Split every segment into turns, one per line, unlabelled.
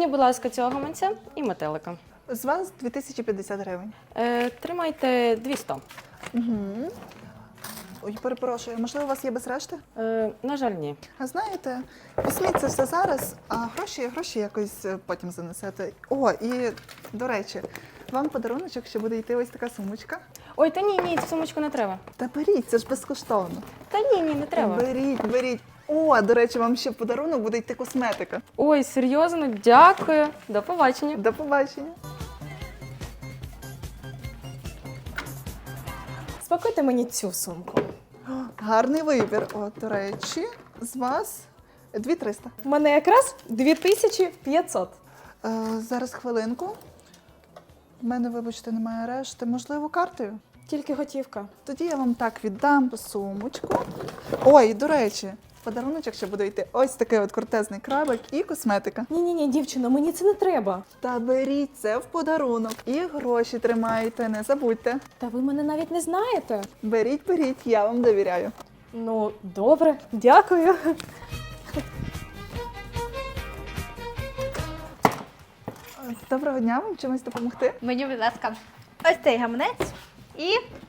Мені, будь ласка, цього гаманця і метелика.
З вас 2050 гривень.
Тримайте 200.
Ой, перепрошую, можливо, у вас є без решти?
На жаль, ні.
А знаєте, візьміть це все зараз, а гроші якось потім занесете. О, і, до речі, вам подаруночок ще буде йти ось така сумочка.
Ой, та ні, цю сумочку не треба.
Та беріть, це ж безкоштовно.
Та ні, не треба.
Беріть. О, до речі, вам ще в подарунок буде йти косметика.
Ой, серйозно, дякую. До побачення.
До побачення.
Спакуйте мені цю сумку.
Гарний вибір. О, до речі, з вас 2300.
У мене якраз 2500.
Зараз хвилинку. У мене, вибачте, немає решти. Можливо, картою?
Тільки готівка.
Тоді я вам так віддам сумочку. Ой, до речі, в подаруночок ще буде йти ось такий от кортезний крабик і косметика.
Ні, дівчино, мені це не треба.
Та беріть це в подарунок. І гроші тримайте, не забудьте.
Та ви мене навіть не знаєте.
Беріть, я вам довіряю.
Ну, добре, дякую.
Доброго дня, вам чимось допомогти?
Мені, будь ласка, ось цей гаманець і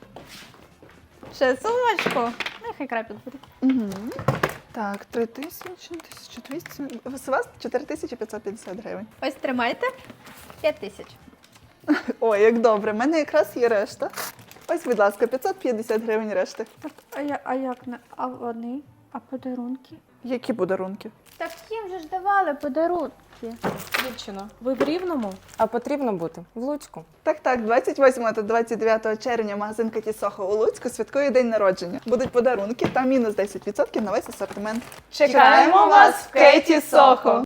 ще сумочку. Нехай крапіт буде.
Угу. Так, 3000, 1200. З вас 4550 гривень.
Ось тримайте. 5000.
Ой, як добре, в мене якраз є решта. Ось, будь ласка, 550 гривень решти.
А як не? А вони? А подарунки?
Які подарунки?
Так їм же ж давали подарунки.
Дівчино, ви в Рівному?
А потрібно бути в Луцьку.
Так, 28 та 29 червня магазин Кеті Сохо у Луцьку святкує день народження. Будуть подарунки та мінус 10% на весь асортимент.
Чекаємо вас в Кеті Сохо!